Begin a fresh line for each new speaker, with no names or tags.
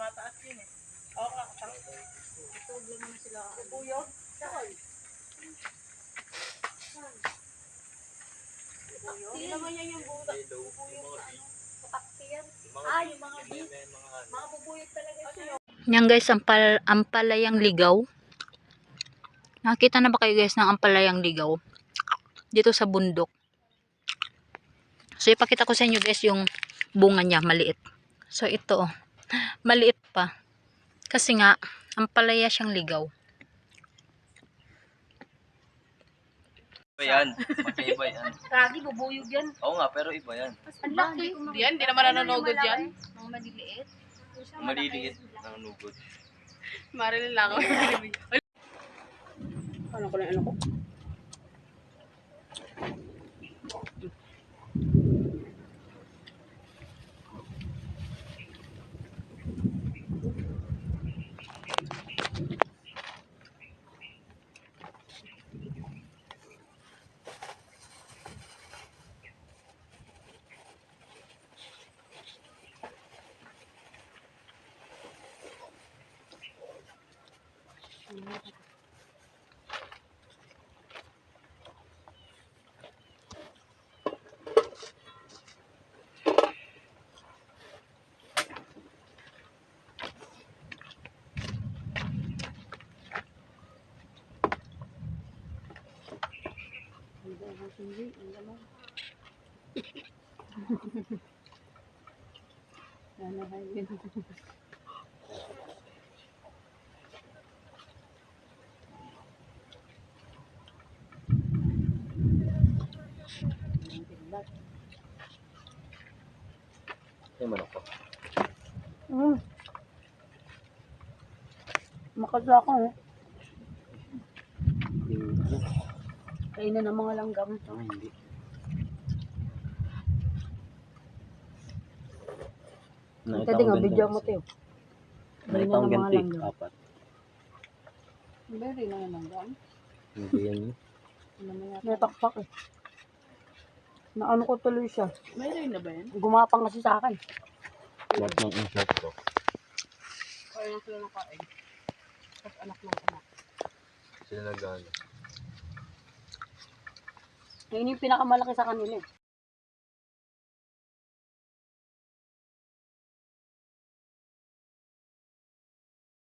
tumataas yun eh. Oo nga,
Itog lang naman sila.
bubuyog. Saan?
Hindi naman yan yung bubuyog sa ano. Patakti yan. Yung mga bubuyog talaga siya.
Yan guys, ampalayang ligaw. Nakita na ba kayo guys ng ampalayang ligaw? Dito sa bundok. So ipakita ko sa inyo guys yung bunga niya, maliit. So ito, maliit pa. Kasi nga, ampalaya siyang ligaw.
Iba yan. Magkaiba yan.
Lagi bubuyog yan.
Oo nga, pero iba yan.
Ang laki.
Hindi naman nanonogod yan.
Mga maliliit.
Maliliit ng nugod.
Marilyn lang ako.
Ano ko na ano ko?
Ay, manok ko.
Makasya ako eh. Kainan ng mga langgam.
Hindi.
Ito din nga, video mo tayo.
Nakita ang ganti, apat.
Hindi na yung langgam.
Hindi yan yun.
Natakpak eh. Naano ko tuloy siya.
Mayroon na ba yan?
Gumapang kasi sa akin.
Lahat ng insert ko.
Kaya lang sila ng kain.
Tapos anak ng anak.
Sila nag-ano.
Yun yung pinakamalaki sa kanila eh.